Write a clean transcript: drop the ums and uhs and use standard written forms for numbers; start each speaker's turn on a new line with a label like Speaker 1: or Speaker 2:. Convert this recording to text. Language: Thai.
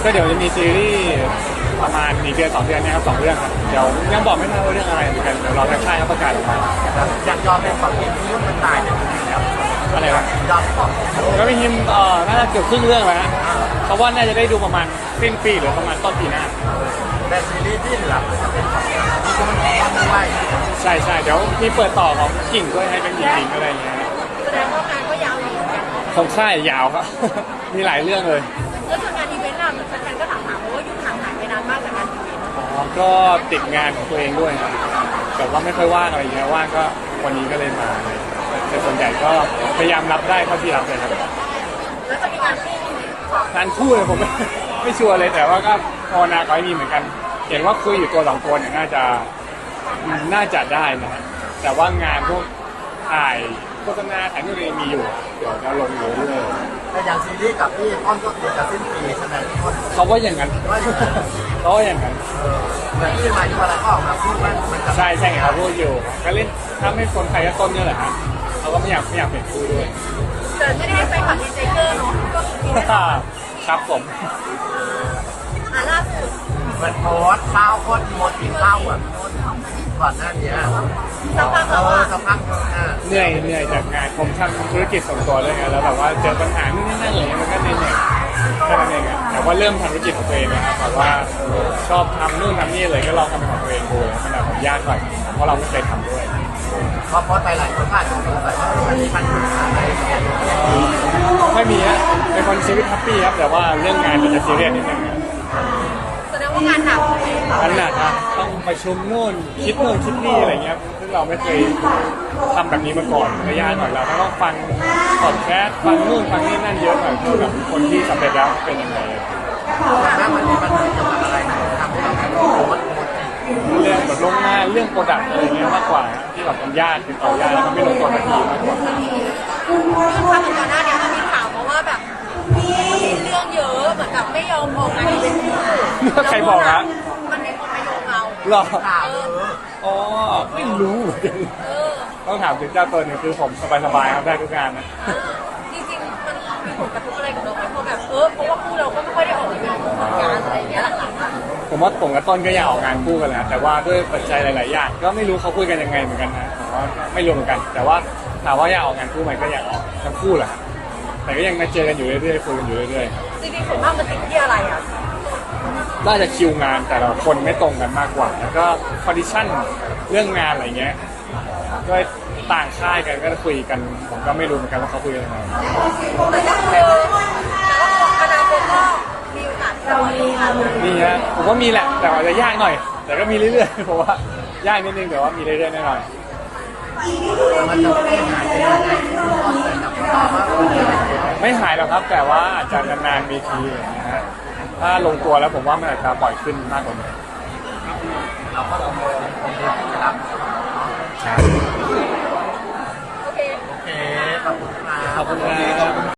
Speaker 1: ก็เดี๋ยวจะมีซีรีส์ประมาณ1 เดือน 2 เดือนนะครับ2 เรื่องครับเดี๋ยวยังบอกไม่ได้ว่าเรื่องอะไรเหมือนกันเดี๋ยวรอทางค่ายเขาประกาศออกมา
Speaker 2: อยากยอมเป็นความเห็นที่มันตายจากจริงแล้ว
Speaker 1: อะไรวะ
Speaker 2: ยอมก่อน
Speaker 1: ก็ไม่ฮิมน่าจะเกือบครึ่งเรื่องแล้วฮะเขาว่าน่าจะได้ดูประมาณสิ้นปีหรือประมาณต้นปีหน้า
Speaker 2: แต่ซีรีส์ที่เหลือมันจะเป็นของที่มันแพ้ด้วย
Speaker 1: ใช่ใช่เดี๋ยวมีเปิดต่อของกิ่งด้วยให้เป็นหญิงๆอะไรอย่างเงี้ย
Speaker 3: แสดงว่างานก็ยาวอยู่เหมือนกัน
Speaker 1: ของค่ายยาวครับ มีหลายเรื่องเลย
Speaker 3: แล้วส่วนงานอีเวนต์ล่ะเหมือนแฟนๆก็ถามเพราะว่ายุ่งห่างหายไปนานมากจากงานอีเวนต์
Speaker 1: ก็ติดงานของตัวเองด้วยครับแต่ว่าไม่ค่อยว่างอะไรอย่างเงี้ยว่างก็วันนี้ก็เลยมาแต่ส่วนใหญ่ก็พยายามรับได้เท่าที่รับเลยครับ
Speaker 3: แล้วจะมีงานคู่ไหม
Speaker 1: งานคู่เลยผม ไม่ชัวร์เลยแต่ว่าก็ภาวนาขอให้มีเหมือนกัน เห็นว่าคุยอยู่ตัว2 คนเนี่ยน่าจะได้นะฮะแต่ว่างานพวกถ่ายโฆษณาถ่ายนู่นนี่มีอยู่เดี๋ยวจะลงอยู่เรื่อย
Speaker 2: แต่อย่างซีรีส์กับพี่อ้อมก็ติดจะสิ้นปีใช่ไหมทุกคน
Speaker 1: ๆเขาว่าอย่างนั้น เขาว่าอย่างนั้น
Speaker 2: แต่ที่มาที่วันละก็ออกมาพูดว่ามันจะ
Speaker 1: ใช่ใช่ไงเขาพูดอยู่ก็เล่นถ้าไม่คนใครก็ต้นเนี่ยแหละฮะเขาก็ไม่อยากเปลี่ยนคู่ด้วย
Speaker 3: แต่ไม่ได้ให้ไปขับดีไซเนอร์เนาะก็คือ
Speaker 1: ครับผม
Speaker 3: ล่าสุด
Speaker 2: มันโพสต์ข้าวโคตรโมดกินข้าวอ่ะก่อนหน้านี้
Speaker 3: สักพักแล้วอ่ะ
Speaker 2: สักพัก
Speaker 1: เหนื่อยจากงานผมทำธุรกิจส่วนตัวด้วยไงแล้วแบบว่าเจอปัญหานู่นนี่นั่นอะไรเงี้ยมันก็เหนื่อยแค่นั้นเองอะแต่ว่าเริ่มทำธุรกิจของตัวเองนะครับแบบว่าชอบทำนู่นทำนี่เลยก็ลองทำเป็นของตัวเองดูมันอาจจะยากหน่อยเพราะเราไม่เคยทำด้วย
Speaker 2: พอโพสต์ไปหลายคนอาจจะสงสัยว่ามันมีปัญหาอะไรอย่างเงี้ย
Speaker 1: ไม่มีฮะเป็นคนชีวิตแฮปปี้ครับแต่ว่าเรื่องงานมันจะซีเรียสนิดนึง
Speaker 3: แสดงว่างานหนักใช่ไหม
Speaker 1: อันหนักอะต้องประชุมนู่นคิดนู่นคิดนี่อะไรเงี้ยซึ่งเราไม่เคยทำแบบนี้มาก่อนระยะหน่อยเราต้องฟังพอดแคสต์ฟังนู่นฟังนี่นั่นเยอะหน่อยเพื่อแบบคนที่สำเร็จแล้วเป็นยังไง
Speaker 2: แม้มันมีปัญหาเกี่ยวกับอะไรทำให้เราโพสต์
Speaker 1: เรื่องแบบลงงานเรื่องโปรดักต์อะไรเงี้ยมากกว่าที่แบบมันยากติดต่อยากแล้วมันไม่ลงตัวทันทีมากกว่า
Speaker 3: คือความเหมือนก่อนหน้านี้มันมีข่าวมาว่าแบบมีเรื่องเยอะเหมือนกับไม่ยอมออกงานอีเวนต์คู่
Speaker 1: ใครบอกฮะ
Speaker 3: มันมีคนมาโยงเรา
Speaker 1: หรอ
Speaker 2: ข่าว
Speaker 1: อ๋อไม่รู้เหมือนกัน
Speaker 3: เออ
Speaker 1: ต้องถามถึงเจ้าตัวหนึ่งคือผมสบายๆครับได้ทุกงานนะ
Speaker 3: จริงๆมันมีผลกระทบอะไรกับเราไหมเพราะแบบเพราะว่าคู่เราก็ไม่ค่อยได้ออกงานอะไรอย่างเงี้ยหลังๆ
Speaker 1: ผมว่าผมกับต้นก็อยากออกงานคู่กันแหละแต่ว่าด้วยปัจจัยหลายๆอย่างก็ไม่รู้เขาคุยกันยังไงเหมือนกันนะผมว่าไม่รู้เหมือนกัน แต่ว่าถามว่าอยากออกงานคู่ไหมก็อยากออกทั้งคู่แหละแต่ก็ยังมาเจอกันอยู่เรื่อยๆคุยกันอยู่เรื่อย
Speaker 3: จริงๆส่วนมากมันติดที่อะไรอ่ะ
Speaker 1: ๆน่าจะคิวงานแต่ละคนไม่ตรงกันมากกว่า แล้วก็คอนดิชั่นเรื่องงานอะไรเงี้ยก็ต่างค่ายกันก็คุยกันผมก็ไม่รู้เหมือนกันว่าเขาคุยกันยังไง
Speaker 3: แต่ก็คืออนาคตก็มีโอกาสเรามีงาน
Speaker 1: นี่ฮะผมว่ามีแหละแต่อาจจะยากหน่อย แต่ก็มีเรื่อยๆผมว่ายากนิดนึงแต่ว่ามีเรื่อยๆแน่นอน
Speaker 2: มันจะไม่หายไปยังไงว่าคนเดียว
Speaker 1: ไม่หายหรอกครับแต่ว่าอาจจะนานๆมีทีนะฮะถ้าลงตัวแล้วผมว่ามันอาจจะปล่อยขึ้นมากกว่านี้